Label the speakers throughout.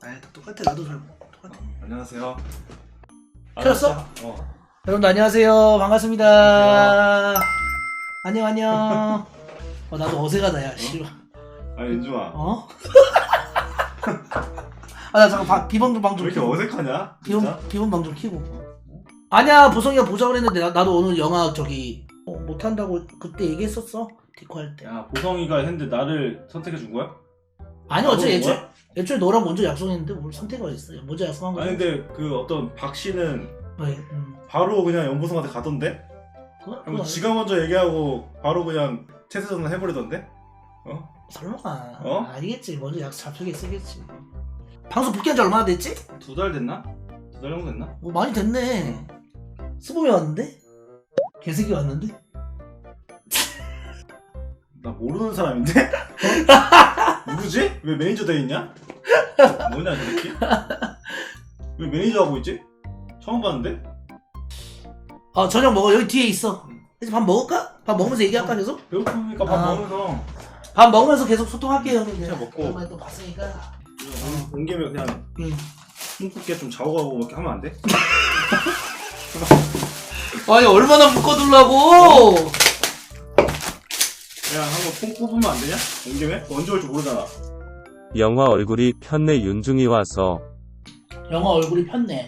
Speaker 1: 아이 다 똑같아. 나도 잘 똑같아.
Speaker 2: 안녕하세요.
Speaker 1: 켰어? 여러분들 안녕하세요. 반갑습니다. 안녕. 나도 어색하다 야. 씨발.
Speaker 2: 아니 윤주아.
Speaker 1: 어? 나 잠깐 비번 방
Speaker 2: 왜
Speaker 1: 좀
Speaker 2: 이렇게
Speaker 1: 켜고.
Speaker 2: 어색하냐? 진짜?
Speaker 1: 비번 방 좀 켜고. 아니야 보성이가 보자고 했는데 나도 오늘 영화 저기 못한다고 그때 얘기했었어. 디코 할 때.
Speaker 2: 야 보성이가 했는데 나를 선택해 준 거야?
Speaker 1: 아니
Speaker 2: 나도
Speaker 1: 어째
Speaker 2: 거야?
Speaker 1: 애초에 너랑 먼저 약속했는데 뭘 선택을 했어요. 먼저 약속한 거야.
Speaker 2: 아니 근데 그 어떤 박 씨는
Speaker 1: 왜?
Speaker 2: 바로 그냥 연보성한테 가던데?
Speaker 1: 그거
Speaker 2: 지가 먼저 얘기하고 바로 그냥 체스 전환 해버리던데?
Speaker 1: 설마.
Speaker 2: 어?
Speaker 1: 알겠지. 먼저 약속 잡히게 쓰겠지. 방송 복귀한 지 얼마나 됐지?
Speaker 2: 2달 됐나? 2달 정도 됐나?
Speaker 1: 많이 됐네. 수범이 왔는데? 개새끼 왔는데?
Speaker 2: 나 모르는 사람인데? 누구지? 왜 매니저 돼 있냐? 뭐냐 저 새끼? 왜 매니저 하고 있지? 처음 봤는데?
Speaker 1: 저녁 먹어. 여기 뒤에 있어. 이제 밥 먹을까? 밥 먹으면서 얘기할까 계속?
Speaker 2: 배고프니까 밥 먹으면서
Speaker 1: 밥 먹으면서 계속 소통할게요.
Speaker 2: 진짜 먹고.
Speaker 1: 오랜만에 또 봤으니까.
Speaker 2: 온 김에 그냥 뭉국게 좀 자고 가고 이렇게 하면 안 돼?
Speaker 1: 아니 얼마나 묶어둘라고?
Speaker 2: 그냥 한번 콩 뽑으면 안 되냐? 온 김에? 언제 올지 모르잖아.
Speaker 3: 영화 얼굴이 편내 윤중이 와서
Speaker 1: 영화 얼굴이 폈네.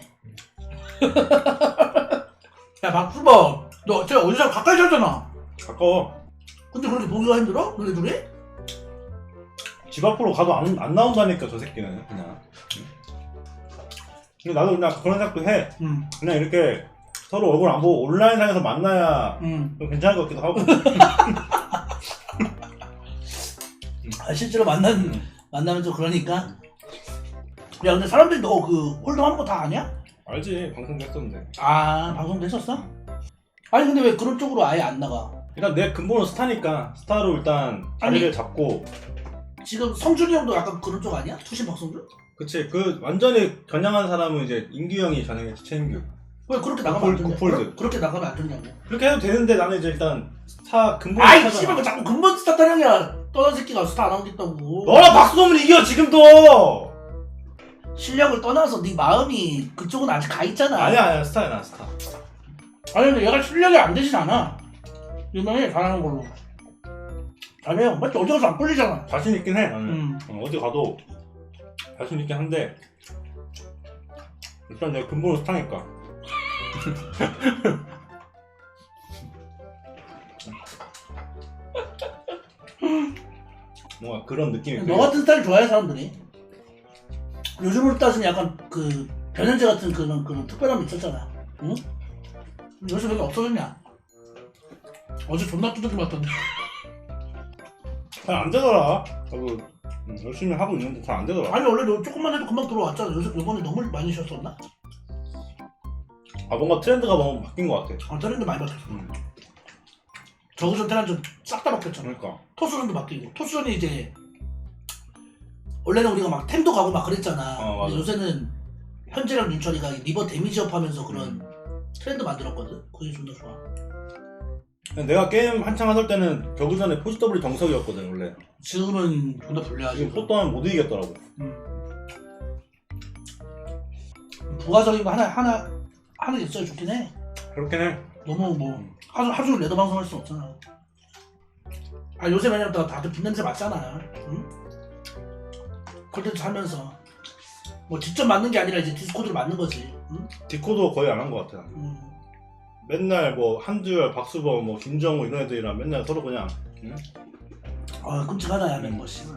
Speaker 1: 야 박수범, 너 제가 어디서 가까이 살잖아.
Speaker 2: 가까워.
Speaker 1: 근데 그렇게 보기가 힘들어? 너네 둘이?
Speaker 2: 집 앞으로 가도 안 나온다니까 저 새끼는 그냥. 근데 나도 그냥 그런 생각도 해. 그냥 이렇게 서로 얼굴 안 보고 온라인상에서 만나야 좀 괜찮을 것 같기도 하고.
Speaker 1: 실제로 만나면 좀 그러니까. 야 근데 사람들이 너 그 홀덤하는 거 다 아냐?
Speaker 2: 알지, 방송도 했었는데.
Speaker 1: 방송도 했었어? 아니 근데 왜 그런 쪽으로 아예 안 나가?
Speaker 2: 일단 내 근본은 스타니까 스타로 일단 자리를 잡고.
Speaker 1: 지금 성준이 형도 약간 그런 쪽 아니야? 투신 박성준?
Speaker 2: 그치, 그 완전히 겨냥한 사람은 이제 인규 형이 겨냥했지, 최인규.
Speaker 1: 왜 그렇게 나가면 안 되냐?
Speaker 2: 구폴드.
Speaker 1: 그렇게 나가면 안 되냐고.
Speaker 2: 그렇게 해도 되는데 나는 이제 일단 스타 근본
Speaker 1: 아이
Speaker 2: 스타잖아.
Speaker 1: 씨발 뭐 자꾸 근본 스타 타령이야. 떠난 새끼가 스타 안 하겠다고.
Speaker 2: 너랑 박수범은 이겨 지금도.
Speaker 1: 실력을 떠나서 네 마음이 그쪽은 아직 가 있잖아.
Speaker 2: 아니야 스타야 나 스타.
Speaker 1: 아니 근데 얘가 실력이 안 되진 않아. 유명해 잘하는 걸로. 잘해요. 맞지? 어디 가서 안 꿀리잖아.
Speaker 2: 자신 있긴 해 나는. 어디 가도 자신 있긴 한데 일단 내가 근본은 스타니까. 뭔가 그런 느낌이.
Speaker 1: 너 같은 스타일 좋아해 사람들이. 요즘으로 따지면 약간 그 변현재 같은 그런 특별함이 있었잖아. 응? 요즘 왜 없어졌냐? 어제 존나 두들겨 맞던데.
Speaker 2: 잘 안 되더라. 나도 열심히 하고 있는데 잘 안 되더라.
Speaker 1: 아니 원래 너 조금만 해도 금방 들어왔잖아. 요번에 너무 많이 쉬었었나?
Speaker 2: 뭔가 트렌드가 너무 바뀐 것 같아.
Speaker 1: 트렌드 많이 바뀌었어. 저그전 테란전 싹 다 바뀌었잖아.
Speaker 2: 그러니까.
Speaker 1: 토스전도 바뀌고. 토스전이 이제 원래는 우리가 막 템도 가고 막 그랬잖아.
Speaker 2: 맞아.
Speaker 1: 근데 요새는 현재랑 윤철이가 리버 데미지업 하면서 그런 트렌드 만들었거든. 그게 존나 좋아.
Speaker 2: 내가 게임 한창 하던 때는 겨우 전에 포지 더블이 정석이었거든 원래.
Speaker 1: 지금은 존나 불리하지.
Speaker 2: 지금 포또하면 못 이기겠더라고.
Speaker 1: 부가적인 거 하나 있어야 좋긴 해.
Speaker 2: 그렇긴 해.
Speaker 1: 너무 뭐 하루 종일 레더 방송할 순 없잖아. 요새 왜냐면 다들 빈냄새 맡잖아. 응? 콘텐츠 하면서 뭐 직접 맞는 게 아니라 이제 디스코드를 맞는 거지. 응?
Speaker 2: 디코도 거의 안 한 것 같아. 맨날 뭐 한두열, 박수범, 뭐 김정우 이런 애들이랑 맨날 서로 그냥.
Speaker 1: 끔찍하다 야 멤버 씨.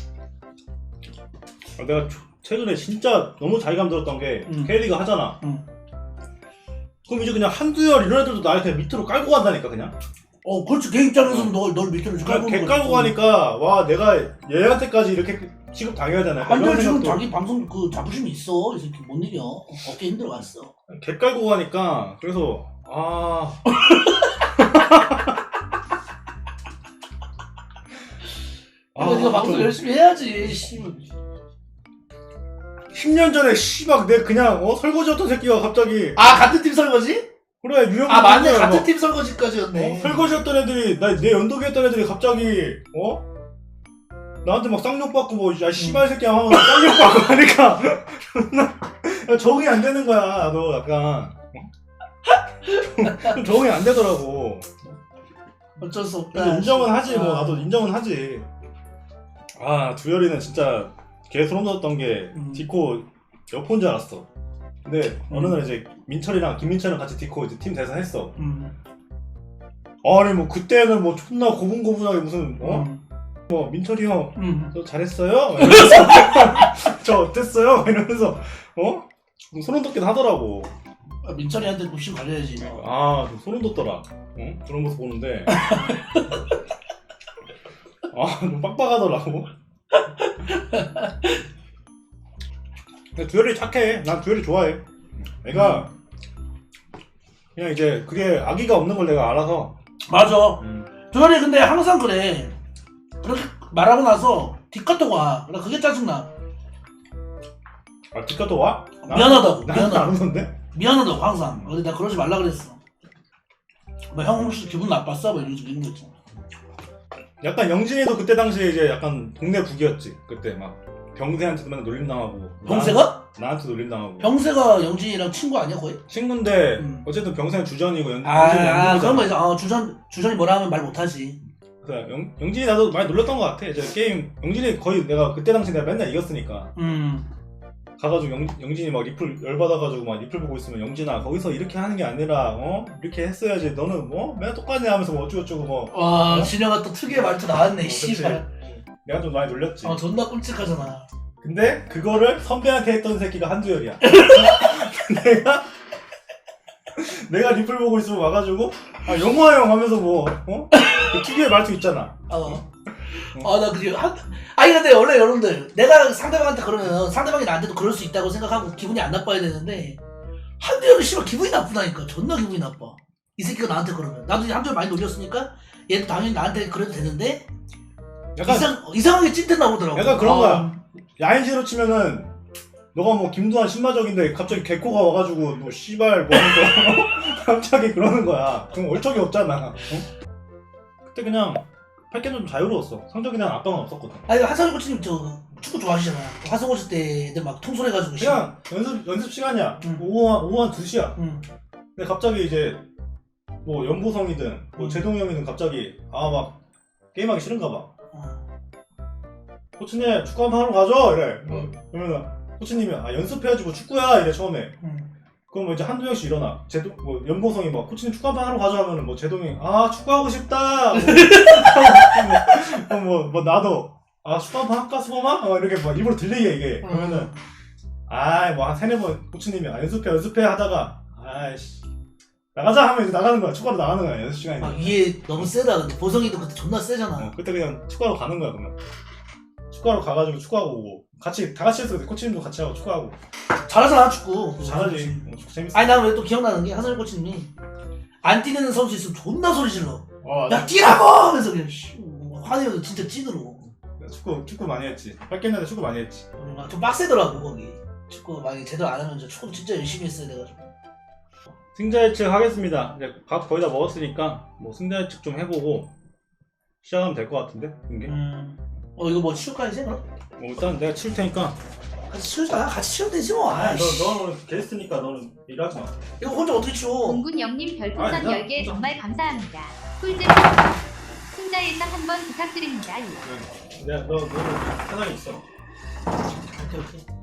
Speaker 2: 내가 최근에 진짜 너무 자괴감 들었던 게 K리그 하잖아. 그럼 이제 그냥 한두열 이런 애들도 나를 그냥 밑으로 깔고 간다니까 그냥.
Speaker 1: 그렇지. 걔 입장에서는 널 밑으로 깔고
Speaker 2: 걔 깔고 가니까 와 내가 얘한테까지 이렇게 취급 당해야 되나?
Speaker 1: 한두열 지금 자기 방송 그 자부심이 있어. 이 새끼 못 이겨. 어깨 힘들어갔어.
Speaker 2: 걔 깔고 가니까 그래서
Speaker 1: 네가 방송 열심히 해야지. 씨.
Speaker 2: 10년 전에 씨발 내 그냥 설거지였던 새끼가 갑자기
Speaker 1: 같은 팀 설거지?
Speaker 2: 그래 유형
Speaker 1: 맞네. 같은 팀 설거지까지였네.
Speaker 2: 설거지였던 애들이 내 연독이었던 애들이 갑자기 나한테 막 쌍욕 받고 뭐 야 씨발 새끼야 하고 쌍욕 받고 하니까 야, 적응이 안 되는 거야. 나도 약간 좀 적응이 안 되더라고.
Speaker 1: 어쩔 수 없다.
Speaker 2: 그래서 인정은 하지 뭐
Speaker 1: 아.
Speaker 2: 나도 인정은 하지. 아 두열이는 진짜 개 소름 돋았던 게 디코 여포인 줄 알았어. 근데 어느 날 이제 민철이랑 김민철이랑 같이 디코 이제 팀 대사 했어. 아니 뭐 그때는 뭐 존나 고분고분하게 무슨 뭐 민철이 형 저 잘했어요? 이러면서 저 어땠어요? 이러면서 소름 돋긴 하더라고.
Speaker 1: 아, 민철이한테 욕심 가려야지.
Speaker 2: 아, 좀 소름 돋더라. 그런 모습 보는데. 아, 좀 빡빡하더라고. 근데 두열이 착해. 난 두열이 좋아해. 애가 그냥 이제 그게 악의가 없는 걸 내가 알아서.
Speaker 1: 맞아. 두열이 근데 항상 그래. 그렇게 말하고 나서 뒷카톡 와. 나 그게 짜증나.
Speaker 2: 아, 뒷가도 와?
Speaker 1: 미안하다고.
Speaker 2: 나한테 안
Speaker 1: 미안하다고.
Speaker 2: 오던데?
Speaker 1: 미안하다고 항상. 근데 나 그러지 말라 그랬어. 뭐 형 혹시 기분 나빴어? 뭐 이런 식으로 이런 거 있잖아.
Speaker 2: 약간 영진이도 그때 당시에 이제 약간 동네 북이었지. 그때 막 병세한테도 맨날 놀림당하고.
Speaker 1: 병세가?
Speaker 2: 나한테 놀림당하고.
Speaker 1: 병세가 영진이랑 친구 아니야 거의?
Speaker 2: 친구인데 어쨌든 병세는 주전이고
Speaker 1: 아 그런 거 있어. 주전이 뭐라 하면 말 못하지.
Speaker 2: 그래, 영진이 나도 많이 놀렸던 것 같아. 이제 게임 영진이 거의 내가 그때 당시 내가 맨날 이겼으니까 가가지고 영진이 막 리플 열받아가지고 막 리플 보고 있으면 영진아 거기서 이렇게 하는 게 아니라 이렇게 했어야지 너는 뭐 맨날 똑같냐 하면서 뭐 어쩌고저쩌고 뭐.
Speaker 1: 와 진영아 또 특유의 말투 나왔네. 씨발.
Speaker 2: 내가 좀 많이 놀렸지.
Speaker 1: 존나 끔찍하잖아.
Speaker 2: 근데 그거를 선배한테 했던 새끼가 한두열이야. 내가 리플 보고 있으면 와가지고 아 영화 형 하면서 뭐 그 특유의 말투 있잖아.
Speaker 1: 나 그게 아니 근데 원래 여러분들 내가 상대방한테 그러면 상대방이 나한테도 그럴 수 있다고 생각하고 기분이 안 나빠야 되는데 한두열은 씨발 기분이 나쁘다니까. 존나 기분이 나빠. 이 새끼가 나한테 그러면 나도 이제 한두열 많이 놀렸으니까 얘도 당연히 나한테 그래도 되는데
Speaker 2: 약간
Speaker 1: 이상하게 찐텐 나오더라고.
Speaker 2: 약간 그런 거야. 야인시로 치면은 너가 뭐 김두한 신마적인데 갑자기 개코가 와가지고 뭐 씨발 뭐 하면서 갑자기 그러는 거야. 그럼 얼척이 없잖아. 그때 그냥 팔게는 좀 자유로웠어. 성적에 대한 압박은 없었거든.
Speaker 1: 아니 하성이 코치님 저 축구 좋아하시잖아. 화성 오실 때 애들 막 통솔해가지고
Speaker 2: 그냥 연습 시간이야. 오후 한 2시야. 근데 갑자기 이제 뭐 연보성이든 뭐 제동이 형이든 갑자기 막 게임하기 싫은가 봐. 코치님 축구 한번 하러 가죠? 이래. 그러면 코치님이 연습해야지 뭐 축구야 이래 처음에. 그럼 뭐 이제 한두 명씩 일어나. 뭐 연보성이 막 코치님 축구 한번 하러 가죠 하면은 뭐 제동이 축구하고 싶다. 뭐 나도 축구 한번 할까 수범아? 이렇게 막 입으로 들리게 이게. 그러면은 뭐 한 3-4번 코치님이 연습해 하다가 아이씨 나가자 하면 이제 나가는 거야. 축구하러 나가는 거야 연습 시간에.
Speaker 1: 이게 너무 세다. 근데 보성이도 그때 존나 세잖아.
Speaker 2: 그때 그냥 축구하러 가는 거야 그러면. 축구하러 가가지고 축구하고 오고 다 같이 했어. 코치님도 같이 하고 축구하고.
Speaker 1: 잘하잖아 축구.
Speaker 2: 잘하지. 축구 재밌어.
Speaker 1: 아니 난 왜 또 기억나는 게 하성이 코치님이 안 뛰는 선수 있으면 존나 소리 질러. 야
Speaker 2: 나
Speaker 1: 뛰라고 하면서 그냥 화내면서 진짜 찐으로.
Speaker 2: 축구 많이 했지. 뺏겼는데 축구 많이 했지.
Speaker 1: 좀 빡세더라고 거기. 축구 만약에 제대로 안 하면 축구 진짜 열심히 했어야 돼가지고.
Speaker 2: 승자 예측 하겠습니다. 이제 밥 거의 다 먹었으니까 뭐 승자 예측 좀 해보고 시작하면 될 것 같은데 이게.
Speaker 1: 이거 뭐 치울까 이제 그럼?
Speaker 2: 일단 내가 치울 테니까.
Speaker 1: 같이 치우자. 같이 치우면 되지 뭐.
Speaker 2: 너는 게스트니까 너는 일하지 마.
Speaker 1: 이거 혼자 어떻게 치워?
Speaker 4: 공군영님 별풍선 10개 정말 감사합니다. 꿀잼 승자 예상 한번 부탁드립니다.
Speaker 2: 너는 편하게 있어.
Speaker 1: 오케이.